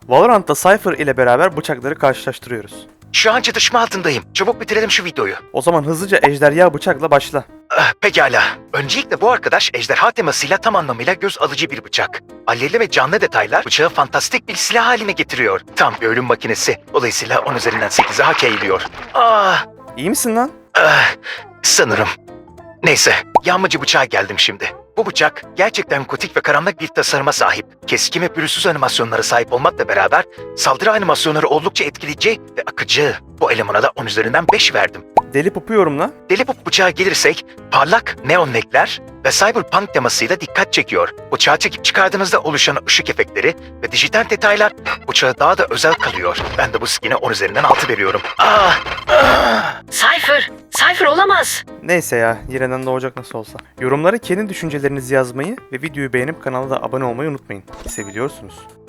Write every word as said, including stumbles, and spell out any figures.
Valorant'ta Cypher ile beraber bıçakları karşılaştırıyoruz. Şu an çatışma altındayım. Çabuk bitirelim şu videoyu. O zaman hızlıca ejderha bıçakla başla. Ah, pekala. Öncelikle bu arkadaş ejderha temasıyla tam anlamıyla göz alıcı bir bıçak. Alevli ve canlı detaylar bıçağı fantastik bir silah haline getiriyor. Tam bir ölüm makinesi. Dolayısıyla on üzerinden sekize hak eğiliyor. Ah, İyi misin lan? ah, sanırım. Neyse, yağmacı bıçağa geldim şimdi. Bu bıçak gerçekten gotik ve karanlık bir tasarıma sahip. Keskin ve pürüzsüz animasyonlara sahip olmakla beraber saldırı animasyonları oldukça etkileyici ve akıcı. Bu elemana da on üzerinden beş verdim. Deli pupu yorumla. Deli Pop bıçağa gelirsek parlak neon renkler ve cyberpunk temasıyla dikkat çekiyor. Bıçağı çekip çıkardığınızda oluşan ışık efektleri ve dijital detaylar bıçağı daha da özel kalıyor. Ben de bu skin'e on üzerinden altı veriyorum. Ah! Ah! Cypher! Cypher olamaz! Neyse ya, yeniden doğacak nasıl olsa. Yorumlara kendi düşüncelerinizi yazmayı ve videoyu beğenip kanala da abone olmayı unutmayın. Seviliyorsunuz.